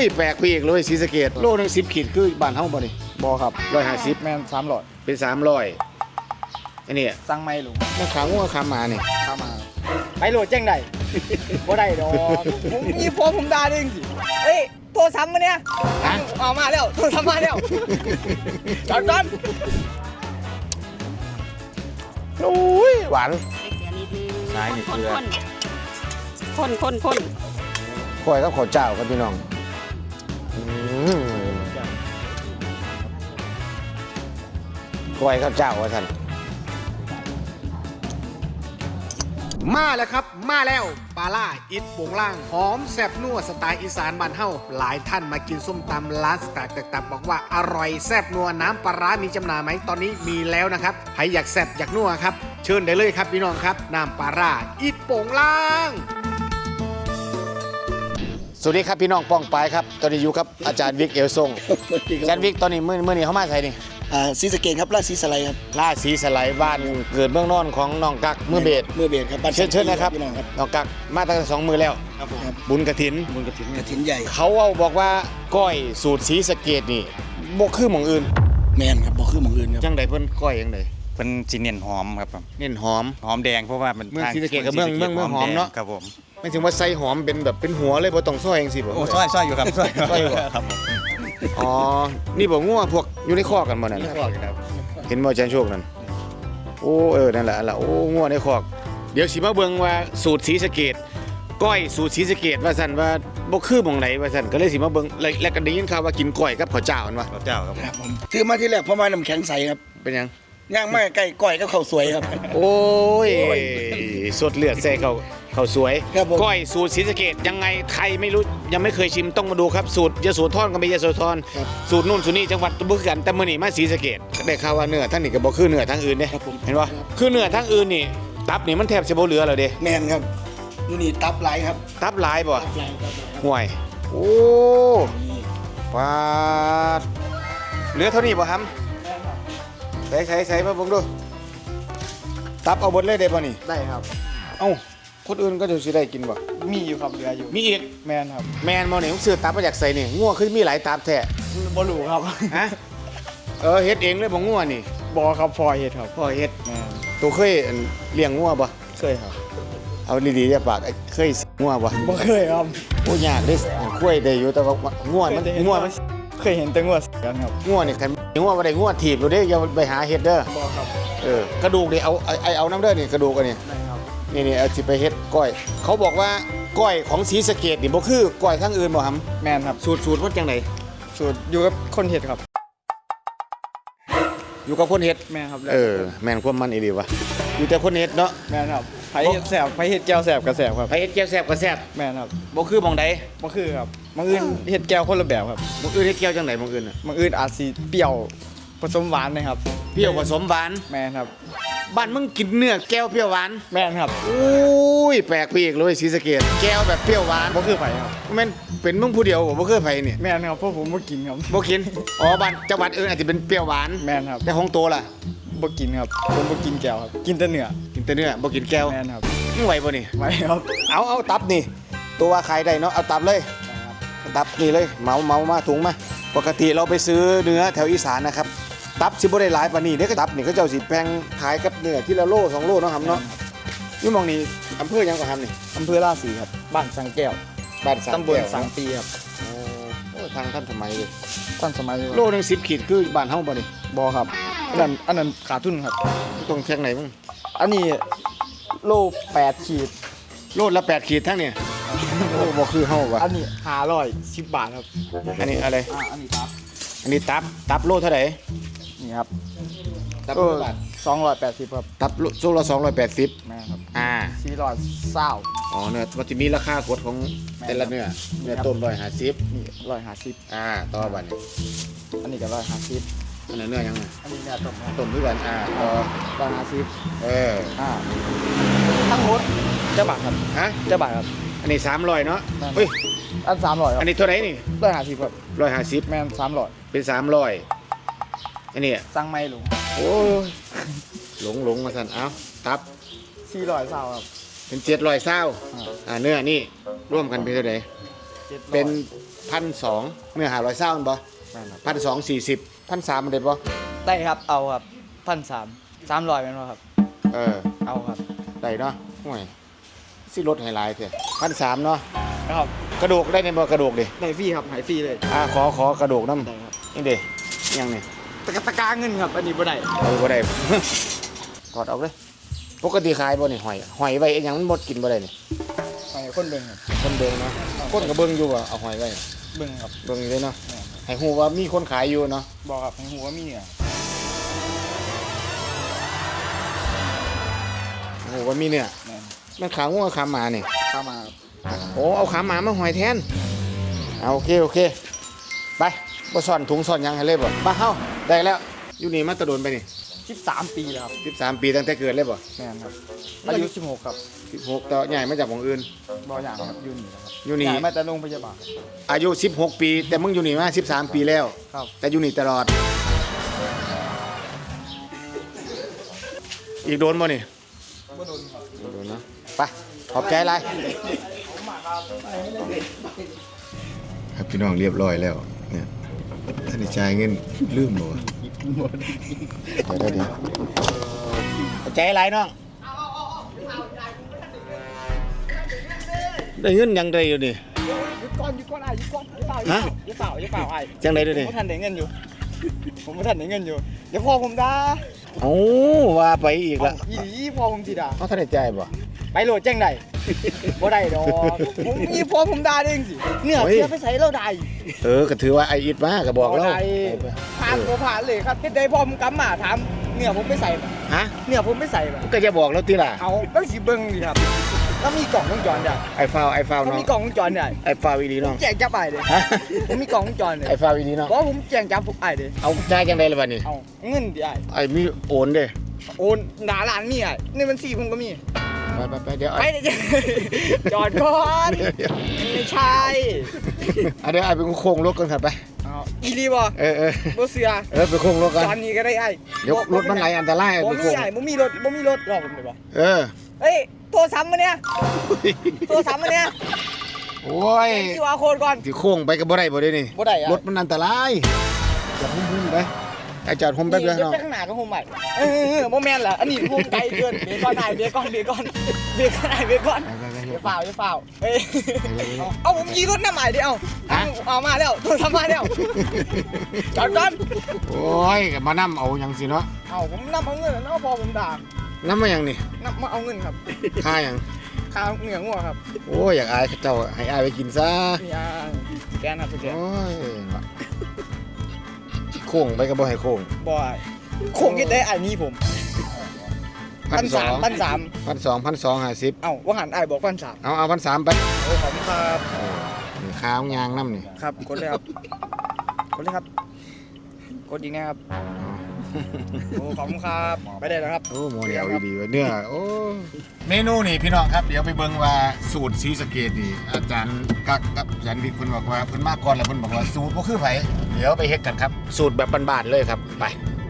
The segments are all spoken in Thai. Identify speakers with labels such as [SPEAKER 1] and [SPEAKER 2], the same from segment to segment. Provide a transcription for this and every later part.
[SPEAKER 1] ยแปลกไปอีกเลยศรีสะเกษโลนึง10 ขีดคือบ้านเฮาบ่นี่
[SPEAKER 2] บอครับ
[SPEAKER 1] 150
[SPEAKER 2] แม่น300
[SPEAKER 1] เป็น300อันนี้
[SPEAKER 2] สั่งไม่ลุง
[SPEAKER 1] มันขางัวขาหมานี่
[SPEAKER 2] เข้ามาไปโหลดแจ้งได้ บ่ได้ดอกผมมีพอผมด่าได้จริงเอ้ยโทรซ้ำมาเนี่ย
[SPEAKER 1] ฮะ
[SPEAKER 2] เอามาแล้วโทรซ้ำมาแล้วจอดก่อน
[SPEAKER 1] โอ้ยหวาน
[SPEAKER 3] ใส่เกลือนิดนึง
[SPEAKER 1] ใส่เกลือ
[SPEAKER 3] คน
[SPEAKER 1] ก้อยกับข้าวเจ้าครับพี่น้องก้อยข้าวเจ้าว่าท่านมาแล้วครับมาแล้วปลาล่าอิดโป่งล่างหอมแซ่บนัวสไตล์อีสานบ้านเฮาหลายท่านมากินส้มตำร้านสไตล์ต่างๆบอกว่าอร่อยแซ่บนัวน้ำปลาร้ามีจำหน่ายไหมตอนนี้มีแล้วนะครับใครอยากแซ่บอยากนัวครับเชิญได้เลยครับพี่น้องครับน้ำปลาร่าอิดโป่งล่างสวัสดีครับพี่น้องป้องปายครับตอนนี้อยู่ครับอาจารย์วิกเอลทรงอาจารย์วิกตอนนี้เมื่อนี้เขามาใส่นี่
[SPEAKER 4] ศรีสะเกษครับราชศรีสไลด์ครับ
[SPEAKER 1] ล่าสีสไลด์บ้านเกิดเมืองนอนของน้องกักมือเบส
[SPEAKER 4] เมื่อเบสครับบ้าน
[SPEAKER 1] เชิญนะครับ
[SPEAKER 4] พี่น้องครับ
[SPEAKER 1] น้องกักมาตั้งแต่2 มือแล้ว
[SPEAKER 4] ครับผม
[SPEAKER 1] บุญกฐิน
[SPEAKER 4] กระถินใหญ่
[SPEAKER 1] เขาเอาบอกว่าก้อยสูตรศรีสะเกษนี่บ่คือหม่องอื่น
[SPEAKER 4] แมนครับบอกคือหมองอื่นครับ
[SPEAKER 1] จังใดเพิ่นก้อยจังใด
[SPEAKER 5] เป็นสีเนียนหอมครับผม
[SPEAKER 1] เน้นหอม
[SPEAKER 5] หอมแดงเพราะว่ามัน
[SPEAKER 1] เมืองศรีสะเกษกับเมืองหอมเนอะ
[SPEAKER 5] ครับผม
[SPEAKER 1] ไม่ถึงว่าใส่หอมเป็นแบบเป็นหัวเลยบ่ต้องซอยจังซี่บ่
[SPEAKER 5] โอ้ซอยอยู่ครับซอย
[SPEAKER 1] ซอยอยู่เหรอ
[SPEAKER 5] ครับผม
[SPEAKER 1] อ๋อนี่บ่งัวพวกอยู่ในคอกกันบ่นั่น
[SPEAKER 5] นี่
[SPEAKER 1] น่ะ
[SPEAKER 5] พวกครับ
[SPEAKER 1] เห็นบ่อาจารย์โชคนั่นโอ้นั่นแหละโอ้งัวในคอกเดี๋ยวสิมาเบิ่งว่าสูตรศรีสะเกษก้อยสูตรศรีสะเกษว่าซั่นว่าบ่คือหม่องไหนว่าซั่นก็เลยสิมาเบิ่งแล้วก็ได้ยินข่าวว่ากินก้อยกับข้าวเจ้าอันว่า
[SPEAKER 5] ข้าวเจ้าครับ
[SPEAKER 4] ครับผมถือมาที่แรกเพราะว่าน้ำแข็งใสครับ
[SPEAKER 1] เป็นหยัง
[SPEAKER 4] ย่างมากใกล้ก้อยก็ข้าวสวยครับ
[SPEAKER 1] โอ้ยสดเลือดใส่เขาสวย
[SPEAKER 4] ครับผม
[SPEAKER 1] ก้อยสูตรศรีสะเกษยังไงใครไม่รู้ยังไม่เคยชิมต้องมาดูครับสูตรยโสธรก็มียโสธรสูตรนู่นสูตรนี่จังหวัดบุรีรัมย์แต่มื้อนี้มาศรีสะเกษได้ข่าวว่าเนื้อทั้งนี้ก็บ่คือเนื้อทั้งอื่นเด้
[SPEAKER 4] ครับผม
[SPEAKER 1] เห็นป่ะคือเนื้อทั้งอื่นนี่ตับนี่มันแทบจะบ่เหลือแล้วเด้
[SPEAKER 4] แมนครับอยู่นี่ตับไหลครับ
[SPEAKER 1] ตับหลายบ่
[SPEAKER 4] ตับไหลครับ
[SPEAKER 1] ห่วยโอ้ปาดเหลือเท่านี้บ่ฮัมใส่มาเบิ่งดูตับเอาหมดเลยได้ป่ะนี่
[SPEAKER 2] ได้ครับ
[SPEAKER 1] เอ้าคนอื่นก็จะสิได้กินบ่
[SPEAKER 2] มีอยู่ครับเหลืออยู่
[SPEAKER 1] มีอีก
[SPEAKER 2] แมนครับ
[SPEAKER 1] แมนบ่นี่ผมซื้อตับมาจากไสนี่งัวคือมีหลายตับแท้
[SPEAKER 2] บ่รู้ครับ
[SPEAKER 1] ฮะเฮ็ดเองเลยบ่งัวนี่
[SPEAKER 2] บอครับพอเฮ็ดครับ
[SPEAKER 1] พ่อเฮ็ด
[SPEAKER 2] แมน
[SPEAKER 1] ตัวเคยเลี้ยงงัวบ่
[SPEAKER 2] เคยครับ
[SPEAKER 1] เอาดีๆอย่าปากเคยงัวบ่
[SPEAKER 2] บ่เคยครับ
[SPEAKER 1] โอ้ยากเด้คุยได้อยู่แต่ว่างัวมัน
[SPEAKER 2] เคยเห็นแต่งัวกันครับ
[SPEAKER 1] งัวนี่คันงัวบ่ได้งัวถีบโลดเด้อย่าไปหาเฮ็ดเด้อบ
[SPEAKER 2] อครับ
[SPEAKER 1] กระดูกนี่เอาน้ำเด้อนี่กระดูกอันนี้
[SPEAKER 2] ได้ครับ
[SPEAKER 1] นี่เอาสิไปเฮ็ดก้อย เขาบอกว่าก้อยของศรีสะเกษนี่บ่คือก้อยทางอื่นบ่หำ
[SPEAKER 2] แมนครับ
[SPEAKER 1] สูตรมันจังได
[SPEAKER 2] สูตรอยู่กับคนเฮ็ดครับ
[SPEAKER 1] อยู่กับคนเฮ็ด
[SPEAKER 2] แมนครับ
[SPEAKER 1] แม่นความมันอีหลีวะอยู่แต่คนเฮ็ดเนาะ
[SPEAKER 2] แมนครับไผเฮ็ดแซ่บไผเฮ็ดแก้วแซ่บก็แซ่บครับ
[SPEAKER 1] ไปเฮ็ดแก้วแซ่บก็แซ่บ
[SPEAKER 2] แมนครับ
[SPEAKER 1] บ่คือหม่องใด
[SPEAKER 2] บ่คือครับบางอื่นเฮ็ดแก้วคนละแบบครับ
[SPEAKER 1] หม่องอื่นเฮ็ดแก้วจังไดหม่องอื่นน่ะ
[SPEAKER 2] บางอื่นอาจสิเปรี้ยวผสมหวานนะครับ
[SPEAKER 1] เปรี้ยวผสมหวาน
[SPEAKER 2] แมนครับ
[SPEAKER 1] บ้านมึงกินเนื้อแก้วเปรี้ยวหวาน
[SPEAKER 2] แมนครับ
[SPEAKER 1] โอ้ยแปลกไปอีกเลยศรีสะเกษแก้วแบบเปรี้ยวหวาน
[SPEAKER 2] บ่คือไผครับ
[SPEAKER 1] แม่นเป็นมึงผู้เดียวบ่เคยไปนี่
[SPEAKER 2] แมนครับเพราะผมบ่กินครับ
[SPEAKER 1] บ่กินอ๋อบ้านจังหวัดอื่นอาจจะเป็นเปรี้ยวหวาน
[SPEAKER 2] แมนครับ
[SPEAKER 1] แต่ของโตล่ะ
[SPEAKER 2] บ่กินครับผมบ่กินแก้วครับ กินแต่เนื้อ
[SPEAKER 1] กินแต่เนื้อบ่กินแก้ว
[SPEAKER 2] แมนครับ
[SPEAKER 1] มึงไหวบ่นี่
[SPEAKER 2] ไว้ครับ
[SPEAKER 1] เอาตับนี่ ตัวว่าขายได้เนาะเอาตับเลยตับนี่เลยเหมามาถุงมาปกติเราไปซื้อเนื้อแถวอีสานนะครับตับสิบ่ได้หลายปานนี้เด้ก็ตับนี่เขาเจ้าสิแพงขายกับเนื้อที่ละโล2 โลเนาะครับเนาะนี่มองนี่อำเภอหยังก็ครับนี่
[SPEAKER 2] อำเภอราศีครับบ้านสังแก้ว
[SPEAKER 1] บ้านสัง
[SPEAKER 2] ตำบล
[SPEAKER 1] แก้ว
[SPEAKER 2] สังปีครับ
[SPEAKER 1] โอ้ทางท่านสมัยเลย
[SPEAKER 2] ท่านสมัย
[SPEAKER 1] โลนึง10 ขีดคือบ้านเฮาบ่นี่
[SPEAKER 2] บ่ครับอันนั้นขาดทุนครับ
[SPEAKER 1] ตรงเชียงไหนมึง
[SPEAKER 2] อันนี้โล8ขีด
[SPEAKER 1] โลละ8 ขีดทั้งเนี่ยโอ้บ่คือเฮาว่ะ
[SPEAKER 2] อันนี้510 บาทครับ
[SPEAKER 1] อันนี้อะไร
[SPEAKER 2] อันนี้ครับ
[SPEAKER 1] อันนี้ตับโลเท่าไหร่
[SPEAKER 2] นี่ครับ
[SPEAKER 1] ตับ
[SPEAKER 2] โล
[SPEAKER 1] โลบาท
[SPEAKER 2] 280ครับ
[SPEAKER 1] ตับโลละ280
[SPEAKER 2] แม่ครับ 420
[SPEAKER 1] อ๋อเนื้อมันจะมีราคากฎของแต่ละเนื้อต้ม150
[SPEAKER 2] นี่150
[SPEAKER 1] ต่อบัดนี้
[SPEAKER 2] อันนี้ก็150
[SPEAKER 1] อันนั้นเนื้อยังไง
[SPEAKER 2] อันนี้เนี่ยต้มครับ
[SPEAKER 1] ต้มด้วยกันต่อ
[SPEAKER 2] 150
[SPEAKER 1] เออ
[SPEAKER 2] ทั้งหมดเจ้าบาทครับ
[SPEAKER 1] ฮะ
[SPEAKER 2] เจ้าบาทครับ
[SPEAKER 1] อันนี้300เนาะ
[SPEAKER 2] นั่น
[SPEAKER 1] เฮ้ย
[SPEAKER 2] อัน300ครั
[SPEAKER 1] อันนี้เท่าไหร่นี่
[SPEAKER 2] บ150ครับ
[SPEAKER 1] 150
[SPEAKER 2] แม่น300
[SPEAKER 1] เป็น300อันนี้
[SPEAKER 2] สั่งไม่ลุง
[SPEAKER 1] โอ้ยหลงมาสั่นเอ้าตับ
[SPEAKER 2] 420ครับ
[SPEAKER 1] เป็น720เนื้อนี่ร่วมกันเป็นเท่าไหร่
[SPEAKER 2] 700
[SPEAKER 1] เป็น1,200เนื้อ500เศร้าบ่
[SPEAKER 2] แม่นครับ
[SPEAKER 1] 1,240 1,300เด็ดบ่
[SPEAKER 2] ได้ครับเอาครับ1,300 300แม่นบ่ครับ
[SPEAKER 1] เออ
[SPEAKER 2] เอาครับ
[SPEAKER 1] ได้เนาะห่วยสิลดให้หลายเถอะ1,300เนาะ
[SPEAKER 2] ครับ
[SPEAKER 1] กระดูกได้ในบ่กระดูกดิ
[SPEAKER 2] ได้ฟรีครับหายฟรีเลย
[SPEAKER 1] ขอกระดูกน้ำ
[SPEAKER 2] ได้ครับ
[SPEAKER 1] นี่เด้ยังนี่
[SPEAKER 2] ตะกร้าเงินครับอันนี้บ่ได้
[SPEAKER 1] บ่ได้ กอดเอาเลยปกติขายบ่นี่หอยไว้อีหยังมันหมดกินบ่ได้นี่
[SPEAKER 2] ให้คนเบิ่งครับ
[SPEAKER 1] คนเบิ่งเนาะคนก็เบิ่งอยู่ว่าเอาหอยไว้
[SPEAKER 2] เบิ่งครับ
[SPEAKER 1] เบิ่งอยู่เลยเนาะให้ฮู้ว่ามีคนขายอยู่เนาะ
[SPEAKER 2] บอกครับให้ฮู้ว่ามีเนี่ย
[SPEAKER 1] ฮู้ว่ามีเนี่ย
[SPEAKER 2] แม่น
[SPEAKER 1] มันขางัวขาหมานี่
[SPEAKER 2] เข้ามา
[SPEAKER 1] โอ้เอาขาหมามาหอยแทนเอาโอเคไปบ่ซ่อนถุงซ่อนหยังให้เลยบ่มาเฮาได้แล้วอยู่นี่มาตะโดนไปนี่
[SPEAKER 2] 13 ปีแล้วครับ
[SPEAKER 1] 13 ปีตั้งแต่เกิดเลยบ่
[SPEAKER 2] แม่นครับอายุ16ครับ
[SPEAKER 1] 16ต่อใหญ่มาจากของอื่น
[SPEAKER 2] บ่อย่างครับอยู่นี่ครับ
[SPEAKER 1] อยู่นี่
[SPEAKER 2] ย้ายมาแต่โรงพยาบาล
[SPEAKER 1] อายุ16 ปี แต่มึงอยู่นี่มา13 ปีแล้ว
[SPEAKER 2] ครับ
[SPEAKER 1] แต่อยู่นี่ตลอด อีกโดนบ่นี่
[SPEAKER 2] บ่โดนครับ
[SPEAKER 1] โดนเนาะไปขอบใจหลายครับพี่น้องเรียบร้อยแล้วเนี่ยท่านได้จ่ายเงินลืมบ่วะเดี๋ยวขอบใจหลายน้องได้เงินยังได้อยู่นี่
[SPEAKER 2] หยุดก่อนอ้ายหยุดก่อนอย่าเฝ้า
[SPEAKER 1] ฮะ
[SPEAKER 2] อย่าเฝ้าอ้าย
[SPEAKER 1] จังได้ด้วย
[SPEAKER 2] ผม
[SPEAKER 1] นี่
[SPEAKER 2] บ่ทันได้เงินอยู่ ผมบ่ทันได้เงินอยู่เดี๋ยวพ่อผมด่า
[SPEAKER 1] เอ้าว่าไปอีกละ
[SPEAKER 2] อีหลีพ่อผมสิด่า
[SPEAKER 1] เขาท่านได้จ่ายบ่
[SPEAKER 2] ไปโหลดแจ้งได้บ่ได้ดอกผมมีพ่อผมด่าเด้งสิเนื้อ
[SPEAKER 1] เฮ้ย
[SPEAKER 2] เสียไปใส่เราได้
[SPEAKER 1] ก็ถือว่าไออิดมาก็บอกเรา
[SPEAKER 2] ได้ผ่านบ่ผ่านเลยครับเฮ็ดได้พ่อผมกำมาถามเนื้อผมไปใส่บ่
[SPEAKER 1] ฮะ
[SPEAKER 2] เนื้อผมไปใส่บ่
[SPEAKER 1] ก็จะบอกเราติล่ะ
[SPEAKER 2] เอาต้องสิเบิ่งดิครับแล้วมีกล่องวงจรได้
[SPEAKER 1] ไอฟาว
[SPEAKER 2] ถ้า
[SPEAKER 1] น้อง
[SPEAKER 2] มีกล่องวงจรได้
[SPEAKER 1] ไอฟาวอีหลีน้อง
[SPEAKER 2] แจ้งจับอ้ายเลย
[SPEAKER 1] ฮะ
[SPEAKER 2] ผมมีกล่องวงจรเลย
[SPEAKER 1] ไอฟาวอีหลีน้อง
[SPEAKER 2] บ่ผมแจ้งจับพวกอ้ายเลย
[SPEAKER 1] เอาจ่ายจังได๋ล่ะบัดนี้
[SPEAKER 2] เอาเงินดิอ้าย
[SPEAKER 1] ไอมีโอนเด้
[SPEAKER 2] โอนหน้าร้านมีอ้ายในบัญชีผมก็มี
[SPEAKER 1] ไปเดี๋ยว
[SPEAKER 2] ไปเดี๋ยวจอดก่อนไม่ใช่
[SPEAKER 1] เดี๋ยวไอไปโค้งรถกันครับไป
[SPEAKER 2] เอาอีหลีบ่
[SPEAKER 1] เออ
[SPEAKER 2] บ่เสือ
[SPEAKER 1] ไปโค้งรถกัน
[SPEAKER 2] ตอนนี้ก็ได้ไอ้
[SPEAKER 1] เดี๋ยวรถมันไหลอันตราย
[SPEAKER 2] บ่
[SPEAKER 1] ไป
[SPEAKER 2] มี
[SPEAKER 1] โค้ง
[SPEAKER 2] ไอ้บ่มีรถรอผมเลยบ่
[SPEAKER 1] เออ
[SPEAKER 2] เฮ้ยโทรศัพท์มาเนี่ยโทรศัพท์มาเนี่ย
[SPEAKER 1] โอ้ย
[SPEAKER 2] คิวอาร์โค้ดก่อน
[SPEAKER 1] สิโค้งไปก็บ่ได้บ่ได้นี่
[SPEAKER 2] บ่ได้อะ
[SPEAKER 1] รถมันอันตรายจอดหุ่มๆไปไอจอดหุ่มแป๊บเดียว
[SPEAKER 2] เดี๋ยว
[SPEAKER 1] น้อง
[SPEAKER 2] จะข้างหน้าก็โฮมใหม่บ่แม่นล่ะอันนี้โฮมไกลเกินเบรกก่อนได้เบรกก่อนเอย่าเปล่าเฮ้ยเอาผมขี่รถน้ำใหม่ดิเอามาแล้วโทรศัพท์มาแล้วจอดก่อน
[SPEAKER 1] โอ้ยก็มานํเอาหยังสิเนาะ
[SPEAKER 2] เอาผมนำเอาเงินแล้วพอผมด่า
[SPEAKER 1] นํมาหยังนี่
[SPEAKER 2] นำมาเอาเงินครับ
[SPEAKER 1] ค่าหยัง
[SPEAKER 2] ค่าเหงื่องัวครับ
[SPEAKER 1] โอ้ยอยากอายเขาเจ้าให้อายไปกินซะ
[SPEAKER 2] นี่แกนครับแกน
[SPEAKER 1] โอ้ยโค้งไปก็บ่ให้โค้ง
[SPEAKER 2] บ่อยคงคิดได้อันนี้ผม1,300 เอ้าว่าหันไอ้ายบอก1,300
[SPEAKER 1] เอา1,300ไป
[SPEAKER 2] โอ้ขอบคุณครับ
[SPEAKER 1] นี่ข้าวยางน้ำนี่
[SPEAKER 2] ครับกดเลยครับกดเลยครับกดอีกนะครับโอ้ขอบคุณครับไปได้แล้วครับ
[SPEAKER 1] โอ้โมเดลดีๆเว้ยเนื้อโอ้เมนูนี่พี่น้องครับเดี๋ยวไปเบิ่งว่าสูตรศรีสะเกษนี่อาจารย์กักกับอาจารย์วิกเพิ่นบอกว่าเพิ่นมาก่อนแล้วเพิ่นบอกว่าสูตรบ่คือไผเดี๋ยวไปเฮ็ดกันครับสูตรแบบบ้านๆเลยครับไป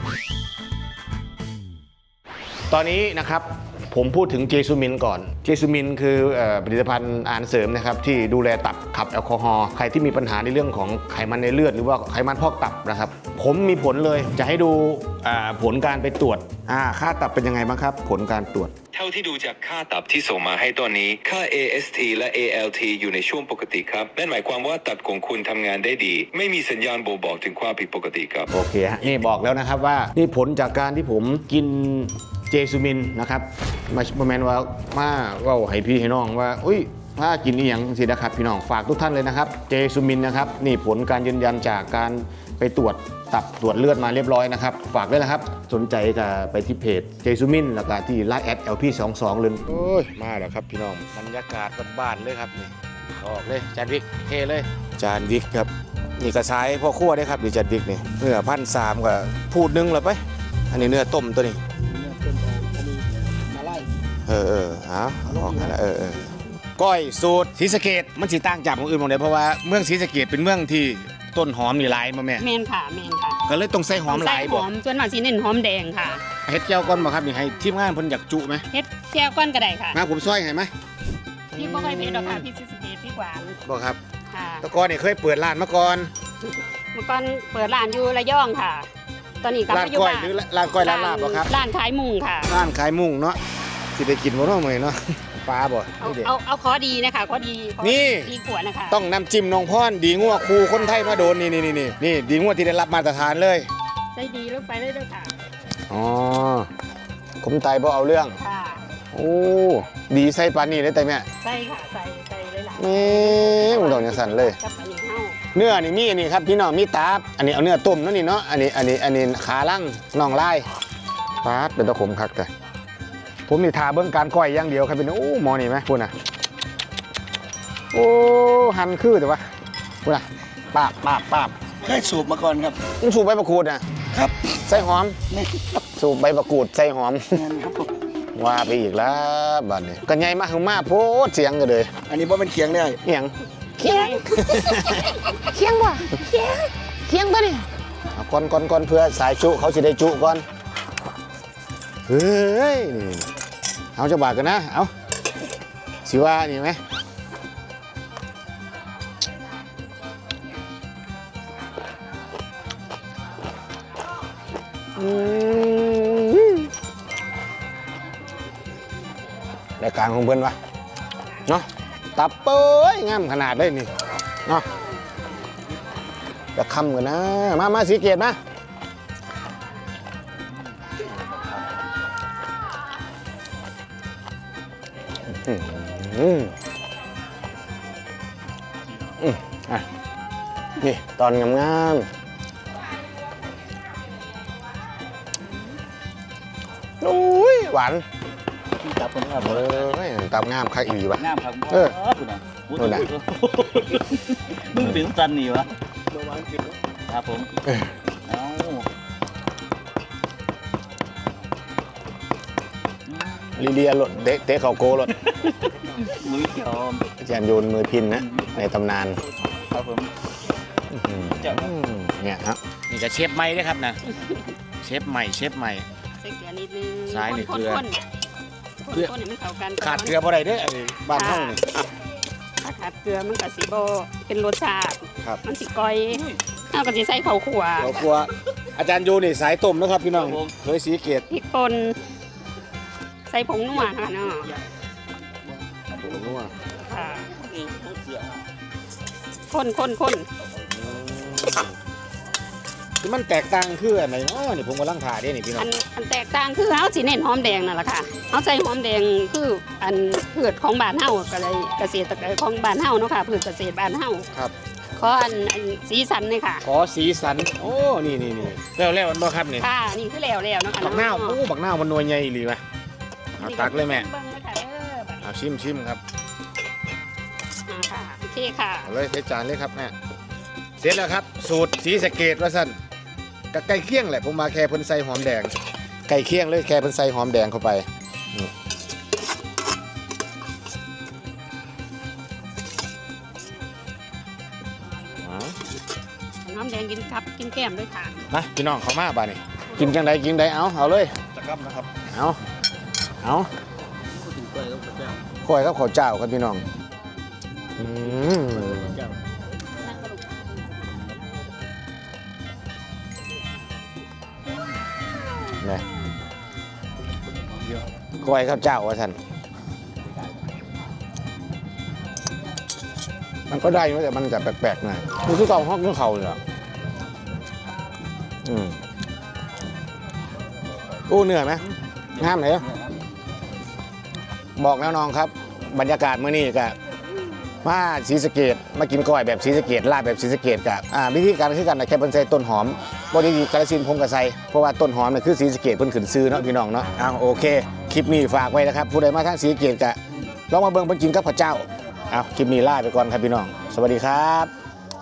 [SPEAKER 1] ตอนนี้นะครับผมพูดถึงเจซูมินก่อนเจซูมินคือผลิตภัณฑ์อาหารเสริมนะครับที่ดูแลตับขับแอลกอฮอล์ใครที่มีปัญหาในเรื่องของไขมันในเลือดหรือว่าไขมันพอกตับนะครับผมมีผลเลยจะให้ดูผลการไปตรวจค่าตับเป็นยังไงบ้างครับผลการตรวจ
[SPEAKER 6] เท่าที่ดูจากค่าตับที่ส่งมาให้ตอนนี้ ค่า AST และ ALT อยู่ในช่วงปกติครับนั่นหมายความว่าตับของคุณทำงานได้ดี ไม่มีสัญญาณบ่งบอกถึงความผิดปกติครับ
[SPEAKER 1] โอเคฮะนี่บอกแล้วนะครับว่านี่ผลจากการที่ผมกินเจซูมินนะครับมาแมนว่ามาเว่าให้พี่ให้น้องว่าอุ้ยถ้ากินนี่อย่างสินะครับพี่น้องฝากทุกท่านเลยนะครับเจซูมินนะครับนี่ผลการยืนยันจากการไปตรวจตับตรวจเลือดมาเรียบร้อยนะครับฝากด้วยนะครับสนใจก็ไปที่เพจเจซูมินแล้วก็ที่ไลน์@LP22เลยโอ้ยมาแล้วครับพี่น้องบรรยากาศบ้านๆเลยครับนี่ออกเลยจานวิกเทเลยจานวิกครับนี่กระชายพ่อครัวได้ครับดิจานวิกนี่เนื้อ1,300กับพูดนึงแล้วไปอันนี้เนื้อต้มตัวนี้เอาออกมาแล้วก้อยสูตรศรีสะเกษมันสิต่างจากเมืองอื่นหมดเลยเพราะว่าเมืองศรีสะเกษเป็นเมืองที่ต้นหอมนี่หลายมาแม่
[SPEAKER 3] แมนค่ะ
[SPEAKER 1] ก็เลยต้องใส่หอมหลาย
[SPEAKER 3] ใส่ห
[SPEAKER 1] บ่
[SPEAKER 3] อมส่วนมากสิเน้นหอมแดงค่ะ
[SPEAKER 1] เฮ็ดแก้วก่อนบ่ครับนี่ให้ทีมงานเพิ่นอยากจุไหม
[SPEAKER 3] เฮ็ดแจ่วก้อนก็ได้ค่ะ
[SPEAKER 1] มาผมซอยให้ไหม
[SPEAKER 3] พี่บ่ค่อยเผ็ดหรอกค่ะพี่ซิสเกตพี่หวาน
[SPEAKER 1] บ่ครับ
[SPEAKER 3] ค่ะ
[SPEAKER 1] แตะกอนนี่เคยเปิดร้านมาก่อน
[SPEAKER 3] เมื่อก่อนเปิดร้านอยู่ระยองค่ะ ตอนนี้กลับ
[SPEAKER 1] ร้าน
[SPEAKER 3] มาอยู่
[SPEAKER 1] ก้อย
[SPEAKER 3] บ้าน
[SPEAKER 1] หรือร้านก้อยร้านลาบบ่ครับ
[SPEAKER 3] ร้านขายมุงค่ะ
[SPEAKER 1] ร้านขายมุ้งเนาะสิได้กินบ่เนาะมื้อนี้เนาะปลาบ่
[SPEAKER 3] เอา
[SPEAKER 1] นี่เด้
[SPEAKER 3] เอาขอดีนะคะขอดีขอ
[SPEAKER 1] นี่
[SPEAKER 3] ดีขวดนะคะ
[SPEAKER 1] ต้องน้ำจิ้มน้องพรดีงัวครูคนไทยมาโดนนี่ดีงัวที่ได้รับมาตรฐานเลย
[SPEAKER 3] ใส่ดีลงไปเลยด้วยค่ะ
[SPEAKER 1] อ๋อผมไตบ่เอาเรื่อง
[SPEAKER 3] ค่ะ
[SPEAKER 1] โอ้ดีใส่ปานนี้เลยแต่แม่
[SPEAKER 3] ใส่ค่ะใส่เลยล่ะ
[SPEAKER 1] นี่มันต้องจังซั่นเลย
[SPEAKER 3] กับอันนี้เฮา
[SPEAKER 1] เนื้อนี่มีอันนี้ครับพี่น้องมีตับอันนี้เอาเนื้อต้มเนาะนี่เนาะอันนี้ขาล่างน่องลายปาดเป็นตะขมคักแต่ผมนี่ทาเบื้องการก้อยอย่างเดียวครับพี่น้องโอ้หมอนี่ไหมพูดนะโอ้หันคือแต่ว่าพูดนะปาบ
[SPEAKER 4] เคยสูบมาก่อนครับ
[SPEAKER 1] มึงสูบใบมะกรูดนะครับ ใส่หอม
[SPEAKER 4] นี่
[SPEAKER 1] สูบใบมะกรูดใส่หอม
[SPEAKER 4] แม่นครับผม
[SPEAKER 1] ว่าไปอีกแล้วบัดนี้กันใหญ่มากมาโพดเสียงกันเลย
[SPEAKER 4] อันนี้บ่เป็นเคียงได้
[SPEAKER 1] เอียง
[SPEAKER 3] เคียง
[SPEAKER 1] เคียงป่ะเคียงป่ะนี่เอาก่อนเพื่อสายจุเขาสิได้จุก่อนเฮ้ยนี่เอาจะบาดกันนะเอาสิว่านี่ไหมรายการของเพื่อนวะเนาะตับเป้ยงามขนาดเลยนี่เนาะจะคำกันนะมาสีเกตมาอ่ะนี่ตอนงามๆอุ้ยหวาน
[SPEAKER 2] จับคนครับ
[SPEAKER 1] ตับงามคักอีหลีวะ
[SPEAKER 2] งามครับ
[SPEAKER 1] เออ
[SPEAKER 2] คุณน่ะ
[SPEAKER 1] นู่นน่ะ
[SPEAKER 2] มึงถึงสันนี่วะครับผมเอ้า
[SPEAKER 1] ลีเลียรถเตะเขาโกรถ
[SPEAKER 2] ลุยเขียว
[SPEAKER 1] อาจารย์โยนมือพินนะในตำนาน
[SPEAKER 2] ครับผม
[SPEAKER 1] เนี่ยครับนี่จะเชฟใหม่ด้วยครับนะเชฟใหม่
[SPEAKER 3] ใส่เกลือนิดนึง
[SPEAKER 1] ซ้ายนี่เกลือ
[SPEAKER 3] คนๆให้มันเข้ากัน
[SPEAKER 1] ขาดเกลือบ่ได้เด้ออันนี้บ้านเฮานี่
[SPEAKER 3] ถ้าขาดเกลือมันก็สิบ่เป็นรสชาติ
[SPEAKER 1] ครับ
[SPEAKER 3] มันสิก้อยเฮาก็สิใส่ข้าวคั่ว
[SPEAKER 1] เรากลัวอาจารย์โยนี่สายต้มนะครับพี่น้องเคยสีเกต
[SPEAKER 3] พริกป่นใส่ผงนัวค่ะเนาะค่ะคน
[SPEAKER 1] ที่มันแตกต่างคืออันไหนอ๋อนี่ผมกำลังถ่ายได้นี่พี่น้อ
[SPEAKER 3] อั
[SPEAKER 1] ง
[SPEAKER 3] นแตกต่างคือเฮาสิเน้นหอมแดงนั่นแหละค่ะเฮาใส่หอมแดงคืออันพืชของบ้านเฮาก็เลยเกษตรของบ้านเฮาเนาะค่ะพืชเกษตรบ้านเฮา
[SPEAKER 1] ครับ
[SPEAKER 3] ขออันสีสันเลยค่ะ
[SPEAKER 1] ขอสีสันโอ้นี่แล้วมันบ่ครับนี่
[SPEAKER 3] ค่ะนี่คือแล้วเนาะค่ะ
[SPEAKER 1] บักนาวโอ้บักนาวมันนวลใหญ่อีหลีวะเอาตักเลยแม่
[SPEAKER 3] เบิ่งเลยค่ะเด้อบัดนี้
[SPEAKER 1] เอาชิมครับ
[SPEAKER 3] ค่ะโอเคค่ะ
[SPEAKER 1] เอาเลยใส่จานเลยครับแม่เสร็จแล้วครับ สูตรสีสะเกตว่าสั้นกับไก่เคี่ยงแหละผมมาแค่เพิ่นใส่หอมแดงไก่เคี่ยงเลยแค่เพิ่นใส่หอมแดงเข้าไปนี่เอา
[SPEAKER 3] น้ำแดงกินครับกินแก้มด้วยค่ะ
[SPEAKER 1] มาพี่น้องเขามาบ้านี่กินจังใดกินใดเอาเลย
[SPEAKER 2] จะกลับนะครับ
[SPEAKER 1] เอาข้อยกับข้าวเจ้าครับพี่น้องอืมนี่ข้อยข้าวเจ้าว่าท่านมันก็ได้อยู่แต่มันจะแปลกๆหน่อยมันคือเกาฮอกคือเขาเลยเหรออู้เหนื่อยไหมงามเลยเหรอบอกแล้วน้องครับ บรรยากาศมื้อนี้ก็มาศรีสะเกษมากินก้อยแบบศรีสะเกษลาบแบบศรีสะเกษกับวิธีการคือกันแต่แค่เพิ่นใส่ต้นหอมบ่ได้กาฬสินธุ์ผมก็ใส่เพราะว่าต้นหอมเนี่ยคือศรีสะเกษเพิ่นขึ้นซื้อเนาะพี่น้องเนาะโอเคคลิปนี้ฝากไว้นะครับผู้ใดมาทางศรีสะเกษก็ลองมาเบิ่งเพิ่นกินกับข้าวเจ้าคลิปนี้ลาไปก่อนครับพี่น้องสวัสดีครับ